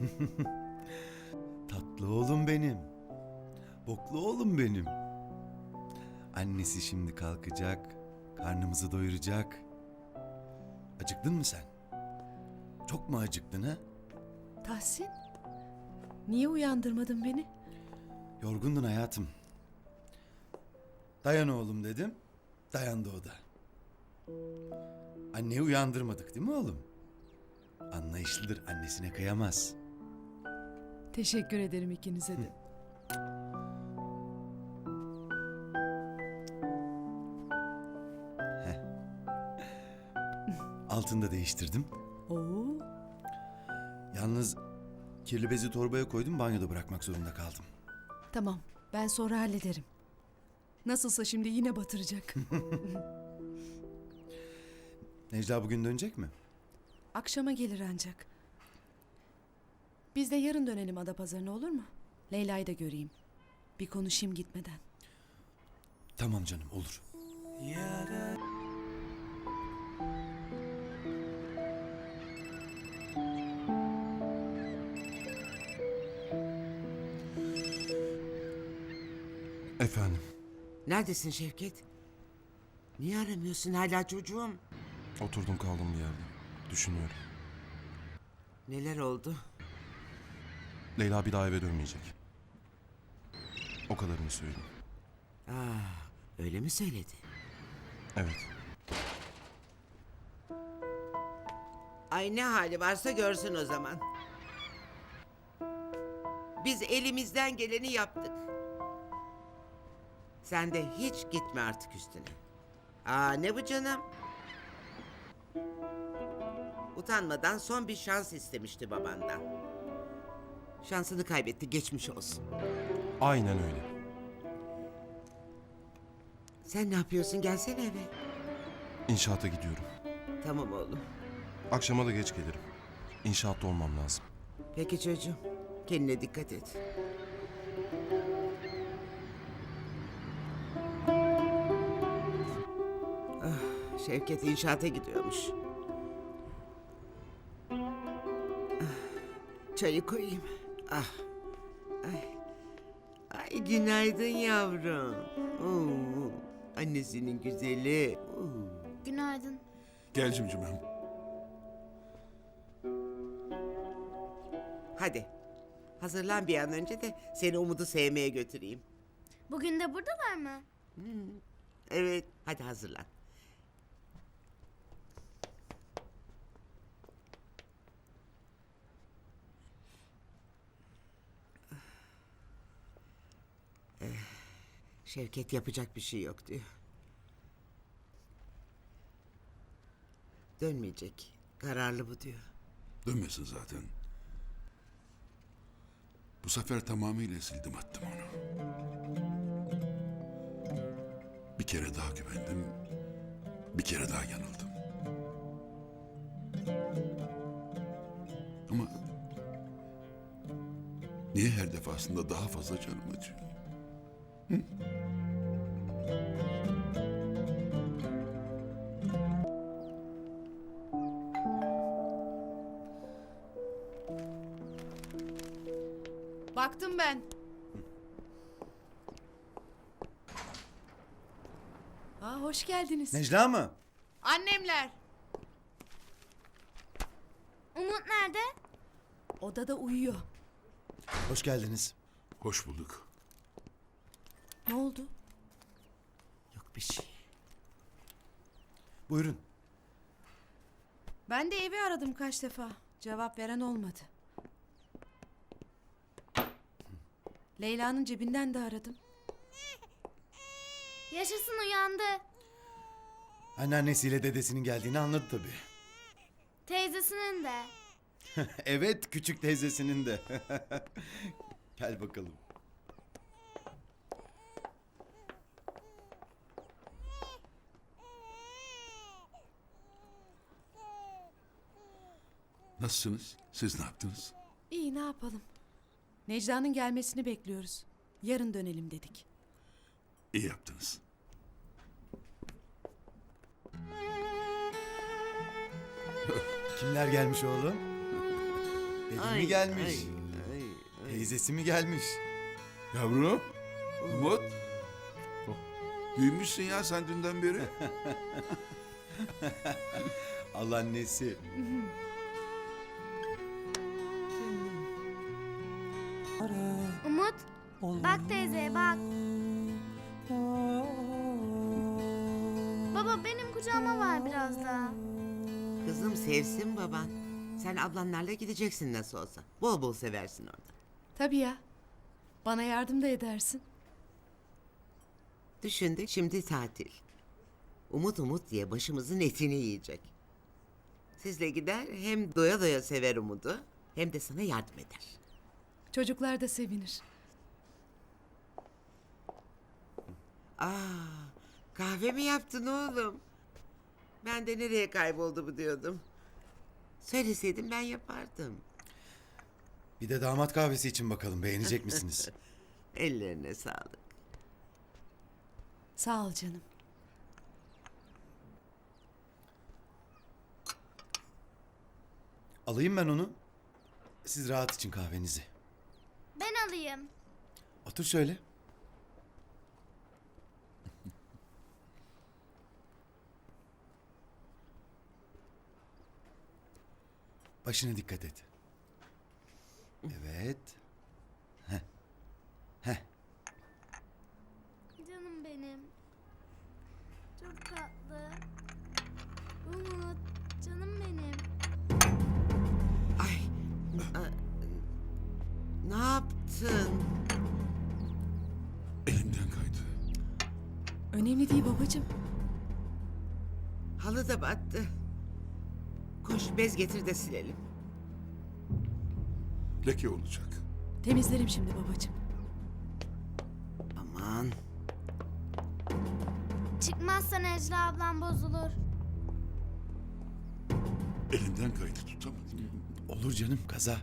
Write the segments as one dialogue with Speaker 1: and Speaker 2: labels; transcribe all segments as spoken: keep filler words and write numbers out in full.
Speaker 1: Tatlı oğlum benim. Boklu oğlum benim. Annesi şimdi kalkacak, karnımızı doyuracak. Acıktın mı sen? Çok mu acıktın ha?
Speaker 2: Tahsin, niye uyandırmadın beni?
Speaker 1: Yorgundun hayatım. Dayan oğlum dedim, dayandı o da. Anneyi uyandırmadık değil mi oğlum? Anlayışlıdır, annesine kıyamaz.
Speaker 2: Teşekkür ederim ikinize de.
Speaker 1: Altını da değiştirdim.
Speaker 2: Oo,
Speaker 1: Yalnız kirli bezi torbaya koydum, banyoda bırakmak zorunda kaldım.
Speaker 2: tamam, ben sonra hallederim. Nasılsa şimdi yine batıracak.
Speaker 1: Necla bugün dönecek mi?
Speaker 2: Akşama gelir ancak. Biz de yarın dönelim Adapazarı'na, olur mu? Leyla'yı da göreyim. Bir konuşayım gitmeden.
Speaker 1: Tamam canım, olur.
Speaker 3: Efendim,
Speaker 4: Neredesin Şevket? Niye aramıyorsun hala çocuğum?
Speaker 3: oturdum kaldım bir yerde. Düşünüyorum.
Speaker 4: Neler oldu?
Speaker 3: Leyla bir daha eve dönmeyecek. O kadarını söyleyeyim.
Speaker 4: Ah, öyle mi söyledi?
Speaker 3: Evet.
Speaker 4: Ay ne hali varsa görsün o zaman. Biz elimizden geleni yaptık. Sen de hiç gitme artık üstüne. Aa ne bu canım? Utanmadan son bir şans istemişti babandan. Şansını kaybetti, geçmiş olsun.
Speaker 3: Aynen öyle.
Speaker 4: Sen ne yapıyorsun? Gelsene eve.
Speaker 3: İnşaata gidiyorum.
Speaker 4: Tamam oğlum.
Speaker 3: Akşama da geç gelirim. İnşaatta olmam lazım.
Speaker 4: Peki çocuğum. Kendine dikkat et. Ah, Şevket inşaata gidiyormuş. Ah, çayı koyayım. Ah. Ay. Ay günaydın yavrum. Oo, annesinin güzeli. Oo.
Speaker 5: Günaydın.
Speaker 6: Gel cimcimem.
Speaker 4: Hadi. Hazırlan bir an önce de seni Umut'u sevmeye götüreyim.
Speaker 5: Bugün de buradalar mı?
Speaker 4: Evet, hadi hazırlan. Eh, Şevket yapacak bir şey yok diyor. Dönmeyecek. Kararlı bu diyor.
Speaker 6: Dönmesin zaten. Bu sefer tamamıyla sildim attım onu. Bir kere daha güvendim. Bir kere daha yanıldım. Ama niye her defasında daha fazla canım acıyor?
Speaker 2: Baktım ben. Aa, hoş geldiniz.
Speaker 1: Necla mı?
Speaker 2: Annemler.
Speaker 5: Umut nerede?
Speaker 2: Odada uyuyor.
Speaker 1: Hoş geldiniz.
Speaker 6: Hoş bulduk.
Speaker 2: Ne oldu?
Speaker 4: Yok bir şey.
Speaker 1: Buyurun.
Speaker 2: Ben de evi aradım kaç defa. Cevap veren olmadı. Leyla'nın cebinden de aradım.
Speaker 5: Yaşasın, uyandı.
Speaker 1: Anneannesiyle dedesinin geldiğini anladı tabii.
Speaker 5: Teyzesinin de.
Speaker 1: Evet, küçük teyzesinin de. Gel bakalım.
Speaker 6: Nasılsınız? Siz ne yaptınız?
Speaker 2: İyi, ne yapalım? Necla'nın gelmesini bekliyoruz. Yarın dönelim dedik.
Speaker 6: İyi yaptınız.
Speaker 1: Kimler gelmiş oğlum? Gelin mi gelmiş?
Speaker 4: ay, ay, ay.
Speaker 1: Teyzesi mi gelmiş?
Speaker 6: Yavrum. Umut. Büyümüşsün ya sen dünden beri.
Speaker 1: Al annesi.
Speaker 5: Umut, bak teyze bak. Baba benim kucağıma var biraz daha.
Speaker 4: Kızım sevsin baban. Sen ablanlarla gideceksin nasıl olsa. Bol bol seversin orada.
Speaker 2: Tabii ya. Bana yardım da edersin.
Speaker 4: Düşündük şimdi tatil. Umut umut diye başımızın etini yiyecek. Sizle gider hem doya doya sever Umut'u hem de sana yardım eder.
Speaker 2: Çocuklar da sevinir.
Speaker 4: Aa, kahve mi yaptın oğlum? Ben de nereye kayboldu bu diyordum. Söyleseydin ben yapardım.
Speaker 1: Bir de damat kahvesi için bakalım beğenecek misiniz?
Speaker 4: Ellerine sağlık.
Speaker 2: Sağ ol canım.
Speaker 1: Alayım ben onu. Siz rahat için kahvenizi.
Speaker 5: Ben alayım.
Speaker 1: Otur şöyle. Başına dikkat et. Evet.
Speaker 5: Canım benim. Çok tatlı. Umut, canım benim.
Speaker 4: Ay. a- Ne yaptın?
Speaker 6: Elimden kaydı.
Speaker 2: Önemli değil babacığım.
Speaker 4: Halı da battı. Koş bez getir de silelim.
Speaker 6: Leke olacak.
Speaker 2: Temizlerim şimdi babacığım.
Speaker 4: Aman.
Speaker 5: Çıkmazsa Necla ablam bozulur.
Speaker 6: Elimden kaydı tutamadım.
Speaker 1: Olur canım kaza.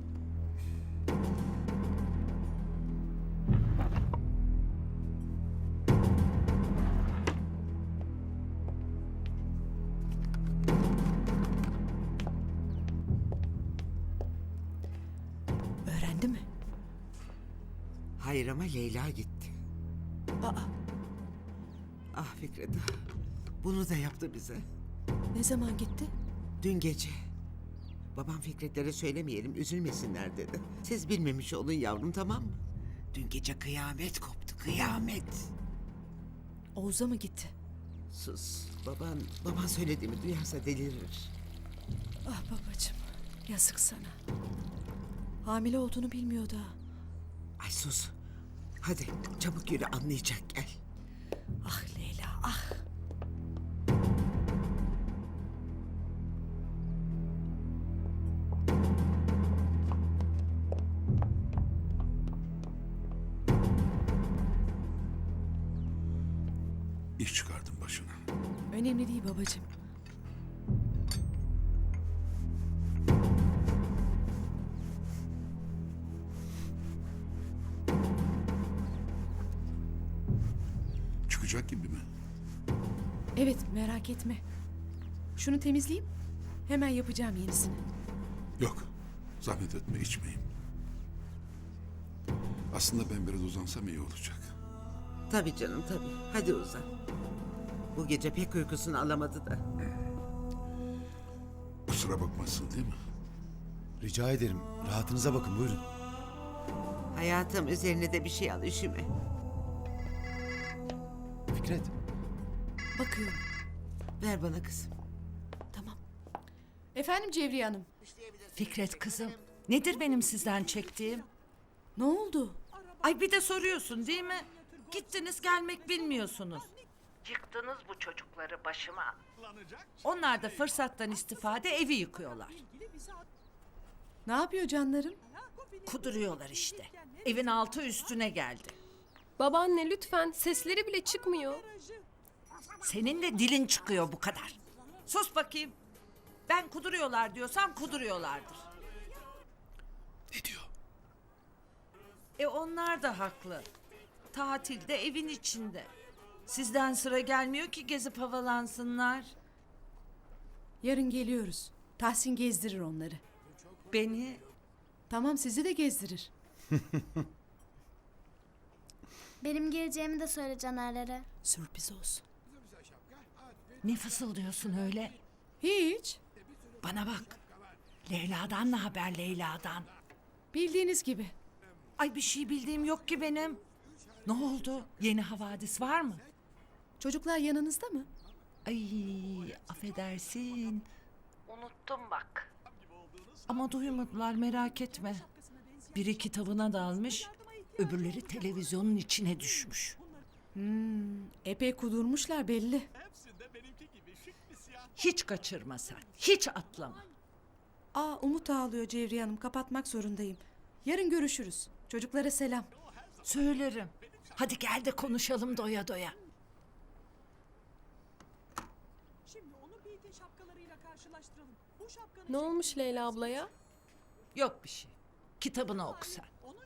Speaker 2: Öğrendi mi?
Speaker 4: Hayır ama Leyla gitti.
Speaker 2: Aa,
Speaker 4: Ah Fikret. ah. Bunu da yaptı bize.
Speaker 2: ne zaman gitti?
Speaker 4: Dün gece. Babam Fikretlere söylemeyelim üzülmesinler dedi. Siz bilmemiş olun yavrum tamam mı? Dün gece kıyamet koptu kıyamet.
Speaker 2: Oğuz'a mı gitti?
Speaker 4: Sus. Baban, baban söylediğimi duyarsa delirir.
Speaker 2: Ah babacığım. Yazık sana. Hamile olduğunu bilmiyordu ha.
Speaker 4: Ay sus. Hadi çabuk yürü anlayacak gel.
Speaker 2: Ah Leyla ah.
Speaker 6: İş çıkardım başına.
Speaker 2: Önemli değil babacığım.
Speaker 6: Çıkacak gibi mi?
Speaker 2: Evet merak etme. Şunu temizleyeyim. Hemen yapacağım yenisini.
Speaker 6: Yok. Zahmet etme içmeyeyim. Aslında ben biraz uzansam iyi olacak.
Speaker 4: Tabii canım tabii. Hadi uzan. Bu gece pek uykusunu alamadı da.
Speaker 6: Kusura bakmazsın değil mi?
Speaker 1: Rica ederim. Rahatınıza bakın buyurun.
Speaker 4: Hayatım üzerine de bir şey al üşüme.
Speaker 1: Fikret.
Speaker 2: Bakıyorum.
Speaker 4: Ver bana kızım.
Speaker 2: Tamam. Efendim Cevriye Hanım.
Speaker 7: Fikret kızım, nedir benim sizden çektiğim?
Speaker 2: Ne oldu?
Speaker 7: Ay bir de soruyorsun değil mi? Gittiniz gelmek bilmiyorsunuz. Yıktınız bu çocukları başıma. Onlar da fırsattan istifade evi yıkıyorlar.
Speaker 2: Ne yapıyor canlarım?
Speaker 7: Kuduruyorlar işte. Evin altı üstüne geldi.
Speaker 8: Babaanne lütfen sesleri bile çıkmıyor.
Speaker 7: Senin de dilin çıkıyor bu kadar. Sus bakayım. Ben kuduruyorlar diyorsam kuduruyorlardır.
Speaker 6: Ne diyor?
Speaker 7: E onlar da haklı. Tatilde evin içinde. Sizden sıra gelmiyor ki gezip havalansınlar.
Speaker 2: Yarın geliyoruz. Tahsin gezdirir onları.
Speaker 7: Beni
Speaker 2: Tamam, sizi de gezdirir.
Speaker 5: Benim geleceğimi de söyle Caner'lere.
Speaker 2: Sürpriz olsun.
Speaker 7: Ne fısıldıyorsun öyle?
Speaker 2: Hiç.
Speaker 7: Bana bak. Leyla'dan ne haber Leyla'dan?
Speaker 2: Bildiğiniz gibi.
Speaker 7: Ay bir şey bildiğim yok ki benim. Ne oldu? Yeni havadis var mı?
Speaker 2: Çocuklar yanınızda mı?
Speaker 7: Ay affedersin. Unuttum bak. Ama duymadılar merak etme. Biri kitabına dalmış, öbürleri televizyonun içine düşmüş.
Speaker 2: Epey kudurmuşlar belli.
Speaker 7: Hiç kaçırma sen, hiç atlama.
Speaker 2: Aa, Umut ağlıyor Cevriye Hanım. Kapatmak zorundayım. Yarın görüşürüz. Çocuklara selam.
Speaker 7: Söylerim. Hadi gel de konuşalım doya doya.
Speaker 8: Ne olmuş Leyla ablaya?
Speaker 7: Yok bir şey. Kitabını oku sen.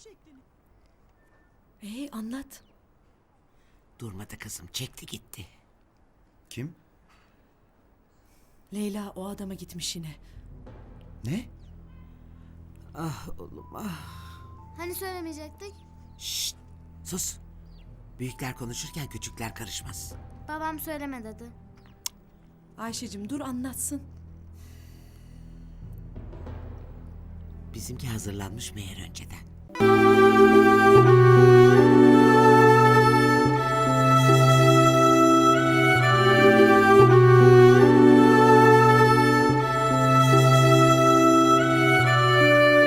Speaker 2: Ee, anlat.
Speaker 4: Durmadı kızım, çekti gitti.
Speaker 1: Kim?
Speaker 2: Leyla o adama gitmiş yine.
Speaker 1: Ne?
Speaker 4: Ah oğlum ah.
Speaker 5: Hani söylemeyecektik?
Speaker 4: Şşt, sus. Büyükler konuşurken küçükler karışmaz.
Speaker 5: Babam söyleme dedi.
Speaker 2: Ayşe'cim dur anlatsın.
Speaker 4: Bizimki hazırlanmış meğer önceden.